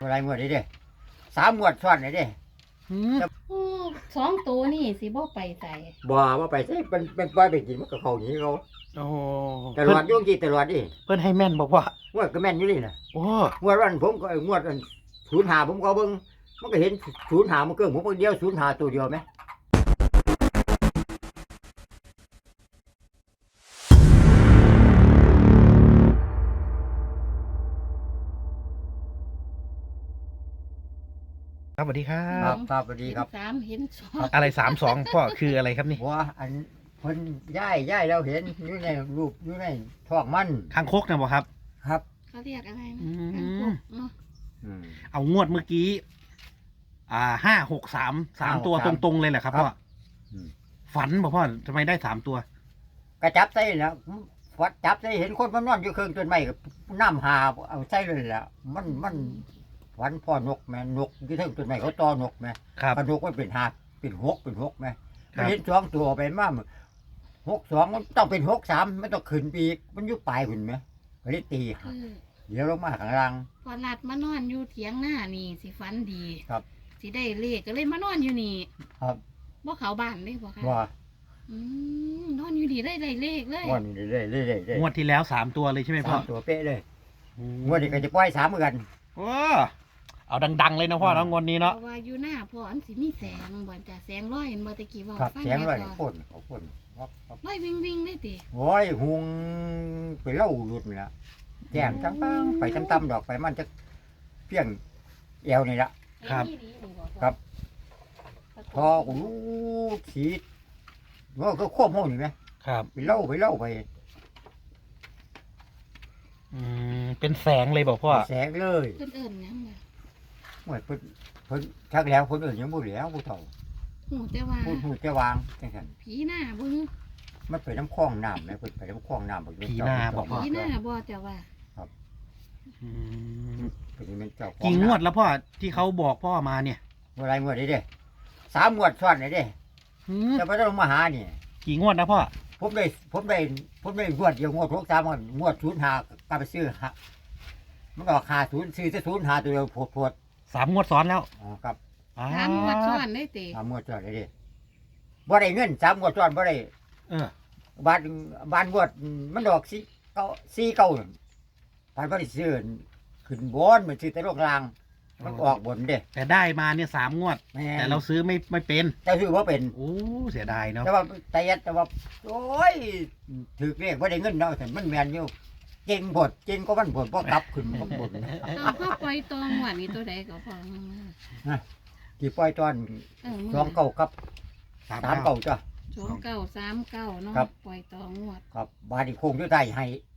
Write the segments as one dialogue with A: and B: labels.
A: อะไรงวดนี้เด้3 งวดซ้อนเลยเด้
B: อืม
C: สองตัวนี่สิบ่ไปใส่
A: บ่ว่าไปใช่เป็นปล่อยไปกินมันก็เข้าหนีเขา
B: โอ้
A: ตลอดยุ่งกี่ตลอดดิ
B: เพิ่นให้แม่นบอกว่า
A: งวดก็แม่นอยู่นี่น่ะ
B: โอ้
A: งวดวันผมก็งวดอัน05ผมก็เบิ่งมันก็เห็น05มันเกินผมคนเดียว05ตัวเดียวไหม
B: ครับสวัสดีครั
A: ครับ บครับสวัสดีครับ
C: เห็นสามเห็นสอง
B: อะไร32พ่อคืออะไรครับนี่
A: ว่าอันเพิ่นย้ายเราเห็นอยู่ในรูปอยู่ในท้องมัน
B: คางคกนะบอกครับ
A: ครับ
C: เขาเรียกอะไรนะ
B: อืม
C: กางคกเนาะ
A: อืม
B: เอางวดเมื่อกี้563ตัวตรงๆเลยแหละครับพ่อ
A: อืม
B: ฝันบอกพ่อทำไมได้3ตัว
A: ก็จับใส่แล้วฟัดจับใส่เห็นคนมันนอนอยู่เครื่องต้นไม้ก็น้ำหาเอาใส่เลยแหละมันฝันพ่อนกแม่นกที่เทิงต้นไม้เขาตอนกแม่
B: ครับ
A: พนกมันเป็นหาเป็นหกแม่
B: ครั
A: มัน
B: บ
A: เห็น2 ตัวไปมา62มันต้องเป็น63มันต้องขึ้นไปอีกมันอยู่ปลายหุ่นไหมก็เลยตี
C: คือ
A: เดี๋ยวลงมาข้างล่าง
C: พอหลัดมานอนอยู่เถียงหน้านี่สิฝันดี
A: ครับ
C: สิได้เลขก็เลยมานอนอยู่นี่
A: ครับ
C: บ่เขาบ้านเลยบ่คะ
A: ว่า
C: นอนอยู่นี่ได้เลขเลย
A: วันนี้เรื่อยๆ
B: งวดที่แล้ว3ตัวเลยใช่ไหมพ่อ
A: 3 ตัวเป๊ะเลยงวดนี้ก็จะปล่อย3เหมือนกัน
B: โอ้เอาดังๆเลยนะพ่อเนาะงวดนี้
C: เพ
B: เนาะ
C: ราะว่าอยู่หน้าพ่ออันสิมีแสงบ่จ้ะแสงร้อยเห็นบ่ตะกี้ว่า
A: ครับ
C: ฟัง
A: เสียง
C: แม่
A: เลย
C: ก่อน
A: พ่นเขาพ่นครับ
C: ร้อยวิ่งได้ติ
A: โอ้ยหุงไปเล่าหลุดนี่ละแจ่มจังปังไปตั้มๆดอกไปมันจะเพียงเอวนี่ละ
B: ครับ
C: ไอ้นี่ดีบ่พ่อ
A: ครับ พอกูรู้ขีดว่าก็ควบห้องอยู่ไหม
B: ครับ
A: ไปเล่าไป
B: เป็นแสงเลยบอกพ่อ
A: แสงเลย
C: เพิ่นเอิ้นหยังล่ะ
A: เหมือนเพิ่นชักแล้วคนอื่นยังบ่เหลียวผู้เฒ่า
C: หูแต่ว่า
A: พูดจะวางจังซั่น
C: ผีหน้าบ่ฮึ
A: มันไปน้ำคลองน้ำนะเพิ่นไปน้ำคลองน้ำ
B: ผีหน้าบอกว่า
C: ผีหน้าบ่แต่ว่า
B: อืม
A: เป็นเจ้าของ
B: กี่งวดแล้วพ่อที่เขาบอกพ่อมาเนี่ย
A: อะไรงวดนี้เด้3 งวดซ้อนเลยเด้
B: อืม
A: จะไปต้องมาหานี่
B: กี่งวดนะพ่อ
A: ผมได้งวดเดียวงวด63งวด05ก็ไปซื้อหามันก็50ซื้อแต่05ตัวเดียวโพด
B: 3 งวดซ้อนแล้ว
A: อ๋อครับ
C: ถามงวดซ้อนได้ติ
A: 3 งวดซ้อนเลยเด้บ่ได้เงิน3 งวดซ้อนบ่ได้
B: เออ
A: บ้านงวดมันดอก4 9นั่นผ่านบ่ได้ซื้อขึ้นบนมันซื้อแต่โลกลางมันออกบนเด้
B: แต่ได้มาเนี่ย3 งวด
A: แม่
B: แต่เราซื้อไม่เป็น
A: แต่ซื้อบ่เป็น
B: โอ้เสียดายเนาะ
A: แต่ว่าโอ้ยถือเลขบ่ได้เงินเนาะแต่มันแม่นอยู่เก่งบดเก่งก็มันบดบ่กลับขึ้นบ่บด
C: เอาพ่อปล่อยตองหวดนี่ตัวใดก็พอ
A: ที่ปล่อยตอน 29กับ39จ้ะ
C: 2939เนาะ
A: ครับ
C: ปล่อยตองหวด
A: ครับบาดนี้โคงอยู่ใต้ให้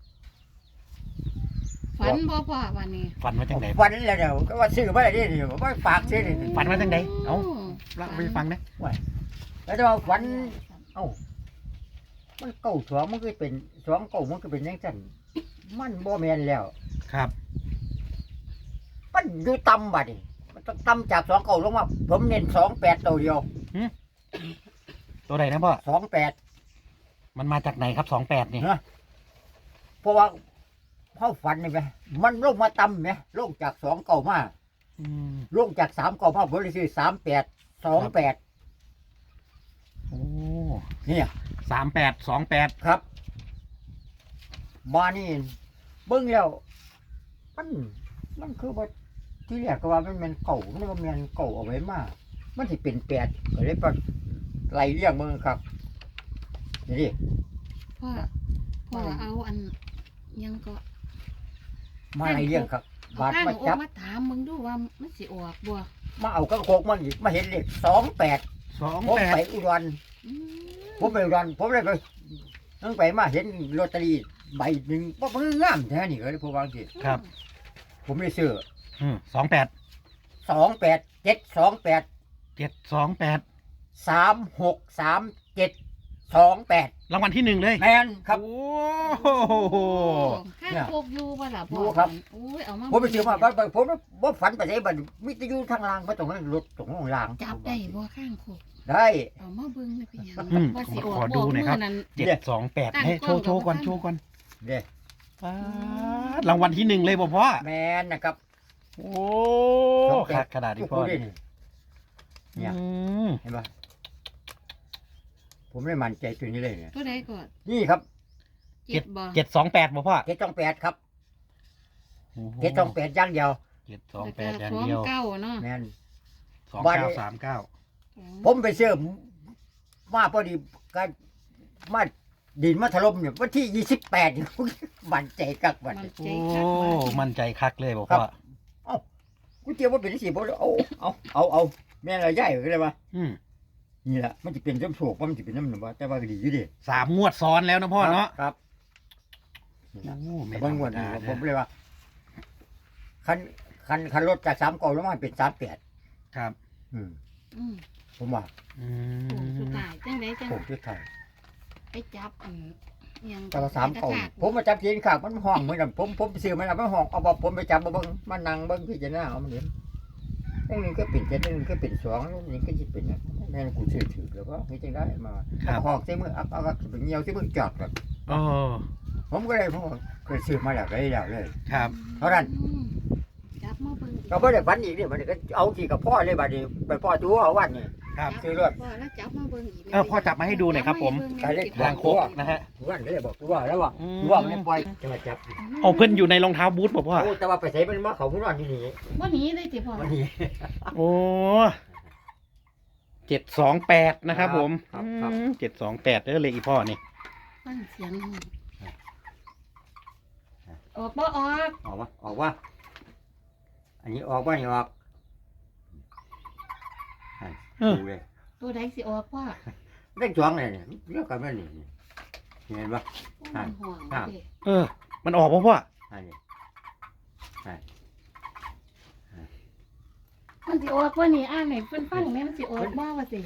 C: ฝันบ่พ่อวันนี้
B: ฝันมาจากไหน
A: วันแล้วเดี๋ยวก็ว่าซื้อบ่ได้นี่บ่ฝากซื้อนี่
B: ฝันมาจากไหนเอ้า เล่าไปฟังนะ
A: แล้วจะว่าฝันเอ้ามันเก้า2มันก็เป็น2 9มันก็เป็นจังซั่นมันบ่แม่นแล้ว
B: ครับ
A: มันอยู่ต่ำบัดนี้มันต้องต่ำจาก2 9ลงมาผมเน้น28ตัวเดียว
B: ตัวไหนนะพ่อ
A: 28
B: มันมาจากไหนครับ28นี่
A: เพราะว่าเขาฝันนี่ไหมมันลงมาต่ำไหมลงจาก2 9มา
B: อืม
A: ลงจาก3 9มาบริสุทธิ์38 28
B: โอ้
A: เนี่ย
B: 3828
A: ครับมานี่เบิ่งแล้วมันคือว่าที่แรกก็ว่ามันเป็นเก่ามันว่ามันเก่าเอาไว้มามันสิเป็น8ก็เลยไปไล่เลี้ยงมึงครับนี่ดิ
C: พ่อเอาอันยังก็
A: มาไล่เลี้ยงครับ
C: เอา
A: บาด
C: ข้าง
A: มา
C: ออ
A: จั
C: ก
A: บ
C: มาถามมึงดูว่ามันสิออกบ่
A: มาเอากระโคกมันอีกมาเห็นเลข28ผมไปอุดร
C: อืม
A: ผมไปอุดรผมเลยไปตั้งไปมาเห็นลอตเตอรี่ใบหนึ่งว่ามันงามแท้นี่ก็เลยผมวาจังสิ
B: ครับ
A: ผมเลยซื้อ
B: 28
A: 28
B: 728
A: 363728
B: รางวัลที่1เลย
A: แมนครับ
B: โอ้
C: ข้างโคกอยู่บ่ล่ะพ่
A: อยู่ครับ
C: โอ้ยเอามา
A: ผมไปซื้อมาผมว่าฝันไปใช้บัตรมิตรยูทางล่างมาตรงนั้นรถตรงห้องล่าง
C: จับได้บ่ข้างโคก
A: ได้
C: เอามาเบิ่งเลยพี่ยัง
B: อืม
C: ว่าสิออก
B: ขอดูหน่อยครับ
C: มื้นั้น
B: 728ให้โชว์ก่อน
A: เด้
B: ป๊าดรางวัลที่1เลยบ่พ่อ
A: แมนนะครับ
B: โอ้
A: 28
B: คักขนาดที่พ่อ
A: ได้นี่เนี่ย
B: อืม
A: เห็นปะผมเลยมั่นใจตัวนี้เลยเนี่ย
C: ตัวใดก่อน
A: นี่ครับ
C: เจ็ดบ่
B: 728บ่พ่อ
A: 728ครับ
B: โอ้โห
A: 728อย่างเดียว
B: 728อย่าง
C: สอง
B: เดียว
C: เก้าเนาะ
A: แม่น
B: 2939
A: ผมไปเชื่อมาพอดีก็มาดินมาถล่มเนี่ยวันที่28นี่มั่นใจกักบัด
C: มัน
A: นี้
C: ใจ
B: โอ้
C: คักว่า
B: มั่นใจคักเลยบอก
A: ครับ
B: ว่า
A: กูเจียวว่าเป็นสิบ่เอาแม่นเราใหญ่ก็เลยว่า
B: อืม
A: นี่แหละมันจะเป็นน้ำโศกมันจะเป็นน้ำหนึ่งว่าแต่ว่าก็ดีอยู่ดิ
B: 3 งวดซ้อนแล้วนะพ่อเนาะ
A: ครับ
B: โอ้ไม่
A: บาง
B: ธรร
A: ง
B: ม
A: วดนี่
B: ดา
A: ผมเลยว่าคันรถจาก3 9ลงมาเป็น38
B: ครับ
A: อืม
C: อืม
A: ผมว่า
B: อื
C: โอ้สุด
B: ม
C: ท้ายจังไดจัง
A: ผมที่ไทย
C: ไปจับอันอิหยัง
A: แต่ว่า3
C: กระ
A: 9
C: ชาก
A: ผมมาจับเขียนข้างมันห้องเหมือนกันผมไปซื้อมันเอาไปห้องเอาบ่ผมไปจับมาเบิ่งมานั่งเบิ่งพิจารณาเอามันเห็นนึงก็เป็น7นึงก็เป็น2นี่ก็สิเป็นแม่นกูซื้อถือแล้วก็เฮ็ดจังได๋มา
B: ครับ
A: ห้องใส่มือเอาไปเหี่ยวใส่มือจอดก่อน
B: โอ้
A: ผมก็เลยผมเคยซื้อมาแล้วก็ได้แล้วเลย
B: ครับ
A: เท่านั้น
C: อืมจับมาเบิ่งอีก
A: ก็ไม่ได้ฝันอีกเนี่ยมันก็เอาที่กับพ่อเลยบัดนี้ไปพ่อตัวเอาวันนี่
B: ครับ
A: ซื้อรถ
C: พ่อแล้วจับมาเบิ่งอีก
B: พ่อจับมาให้ดูหน่อยครับผม
A: ไปเลย
B: ทางโคกนะฮะ
A: วันก็เลยบอกตัวแล้วว่า
B: อืม
A: ตัวมันปล่อยจะมาจับ
B: เอาเพิ่นอยู่ในรองเท้าบูทบอกพ่อ
A: โอ้แต่ว่าไปใส่มันมาเขาพุ่นอนที่นี่
C: บ่หนีได้ติพ่อ
A: วันนี้
B: โอ้728นะครับผม
A: ครับ
B: 728เด้อเลขอีพ่อนี่
C: ฟังเสียงออกบ่ออก
A: ออกว่าอันนี้ออกว่านี่ออก
B: เออ
A: ดูเลย
C: ตัวใดสิออกพ่อ
A: เล่นจ้วงเลยเนี่ยเลือกกันไม่นี่เห็นปะ
C: มันห่วง
A: ครับ
C: เด้
B: เออ มันออกป่ะพ่อ
A: อันนี้
C: มันสิออกบ่นี่อ่านให้เพิ่นฟังแม่มันสิออกบ่ว่าสิ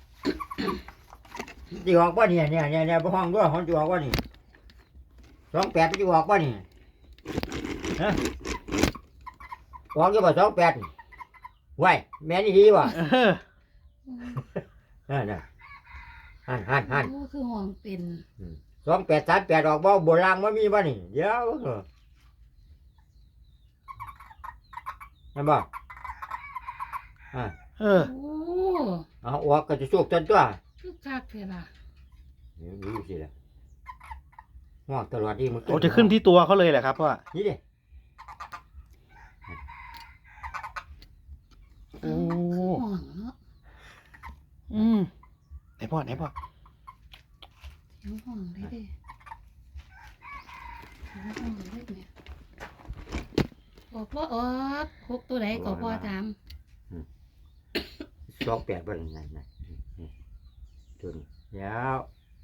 A: จีออกว่าเนี่ยไปห้องด้วยห้องจีออกว่านี่28จีออกว่านี่ฮะออกอยู่บ่28ไว้แม่นี่ดีว่ะ
B: เออ
A: นั่นหัน
C: โอ้คือห่วงเป็น
A: 2838ออกบ่โบราณมันมีบ่นี่เดี๋ยวนั่นบ่
B: เออ
C: โอ้
A: เอาออกก็จะสุกจนตัว
C: คือคักเท่ล่ะ
A: นี่สิล่ะง่วงตลอดที่มัน
B: โอ้จะขึ้นที่ตัวเขาเลยแหละครับพ่อ
A: นี่ดิ
B: โอ้
C: ห่วงเนาะ
B: อืมไหนพ่อ
C: เสียงห่วงได้เด้เสียงห่วงได้เนี่ยออกบ่ออกพกตัวใดก็พ่อถาม
A: 28บ่นั่นตัวนี้แล้ว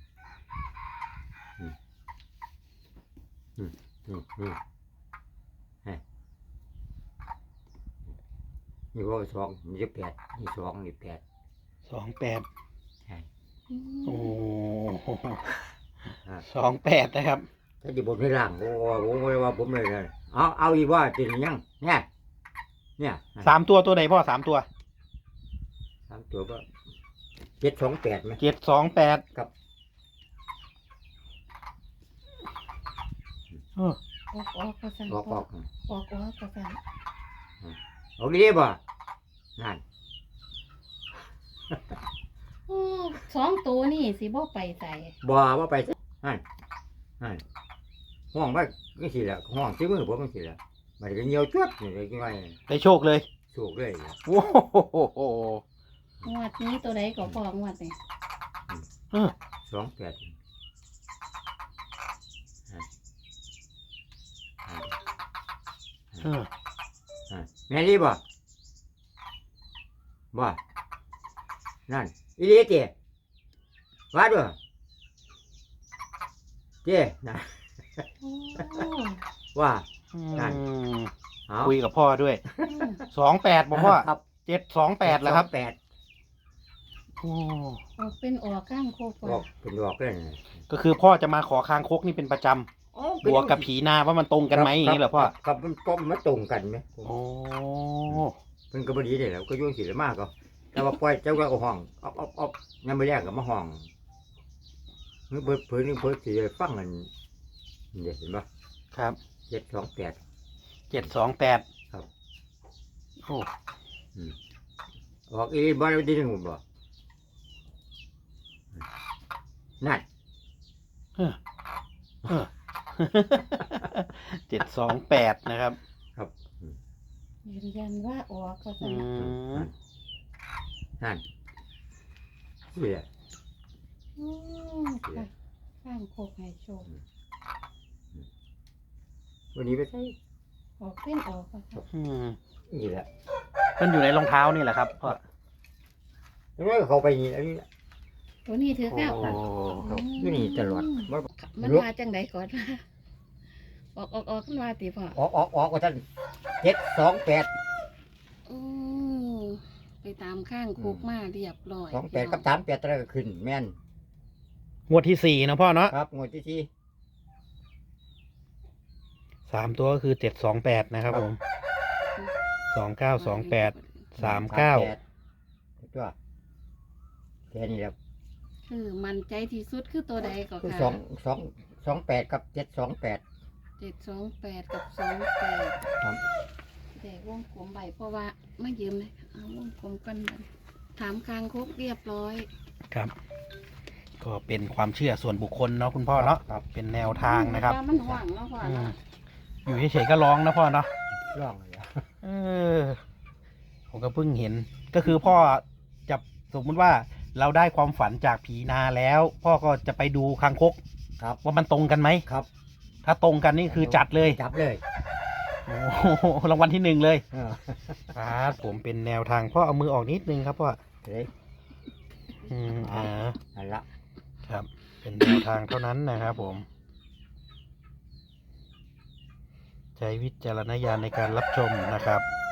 A: นี่ว่า2นี่8นี่2นี่8
B: 28
A: ใช่
B: โอ้
A: อ่า
B: 28นะครับ
A: ถ้าจะบนให้ล่างโอ้ว่าผมเลยเอาอีกว่าเป็นยังเนี่ย
B: 3 ตัวตัวไหนพ่อ 3 ตัว
A: 3ตัวก็728ไหม
B: 728
A: ครับ
B: เออ
C: ออกก็สั่น
A: ออก
C: ออกก็สั่น
A: เอาดีบ่นั่น
C: โอ้2ตัวนี่สิบ่ไปใส่
A: บ่ว่าไปนั่นห้องว่าไม่สิละห้องซื้อมือผมไม่สิละมันก็เหี่ยวจวดนี่เลยกี่ว่า
B: ได้โชคเลย
A: สูกเลย
B: โอ้โห
C: งวดนี้ตัวใดก็พองวดนี่
B: เออ
A: 28
B: เออ
A: แม่รีบ่นั่นอีหลีเจ้ว่าด้วยเจ้นะ
C: โอ้
A: ว่า
B: อืม
A: เอา
B: คุยกับพ่อด้วย
C: อืม
B: 28บอกพ่อ
A: ครับ
B: 728แล้วครับ
A: 28
B: โอ้
C: ออกเป็นออกข้างโคก
A: อ
C: ว่า
A: อกเป็นดอกเลยนะ
B: ก็คือพ่อจะมาขอคางคกนี่เป็นประจำบวกกับผีนาว่ามันตรงกันไหมอย่างนี้เหรอพ่อ
A: ครับมันก็มาตรงกันไหม
B: โอ้
A: มันก็บดีเลยแหล้วก็ยุ่งสิเลยมากก็แต่ว่าปล่อยเจ้าก็เอาห้องเอางั้นไม่แรกก็มาห้องเมื่อเพิ่นสิได้ฟังกันนี่เห็นปะ
B: ครับ
A: 728
B: 728
A: ครับ
B: โอ้
A: ออกอีบ่ได้ที่หนึ่งบ่นั่น
B: 728นะครับ
C: ยืนยันว่าออกก็
B: อื
C: สั่น
B: ม
A: นั่นนี่แหละ
C: อืมค่ะข้างโคกให้โชค
A: วันนี้ไปใส่
C: ออกเป็นออกก็สั่น
B: อืม
A: นี่แหละ
B: มันอยู่ในรองเท้านี่แหละครับพ่อ
A: แล้วก็เขาไปนี่อันนี้
C: ตัวนี้ถือแล้ว
B: โอ้
A: เขาอยู่นี่ตลอดมัน
C: มันมาจังไดก่อนออกขึ้นมาติพ่อ
A: ออกว่าท่าน728
C: อืมไปตามข้างโคกมาเรียบร้อย
A: 28กับ38อะไรก็ขึ้นแม่น
B: งวดที่4นะพ่อเนาะ
A: ครับงวดที่สี่
B: 3 ตัวก็คือ728นะครับผม2928 39
A: ตัวแค่นี้แหละ
C: คือมันใจที่สุดคือตัวใดก็
A: คือ
C: ค่ะ
A: 28กับ728
C: 728กับ28
A: ครับ
C: แต่วงกลมใบเพราะว่าไม่ยืมเลยเอาวงกลมกันมันถามคางคกเรียบร้อย
B: ครับ ก็เป็นความเชื่อส่วนบุคคลเนาะคุณพ่อเนาะ
A: ครับ
B: เป็นแนวทางนะครับ
C: มันห่วงแล้วพ่อ
B: อืม
C: เนาะ
B: อยู่เฉยๆก็ร้องนะพ่อเนาะ
A: ร่องเลยอะ
B: เออ ผมก็เพิ่งเห็น ก็คือพ่อจะสมมุติว่าเราได้ความฝันจากผีนาแล้ว พ่อก็จะไปดูคางคก
A: ครับ
B: ว่ามันตรงกันไหม
A: ครับ
B: ถ้าตรงกันนี่คือจัดเลย
A: จับเลย
B: โอ้โหรางวัลที่1เลย
A: เออ
B: ครับผมเป็นแนวทางพ่อเอามือออกนิดนึงครับพ่อ
A: เฮ้ย นั่นละ
B: ครับ เป็นแนวทางเท่านั้นนะครับผม ใช้วิจารณญาณในการรับชมนะครับ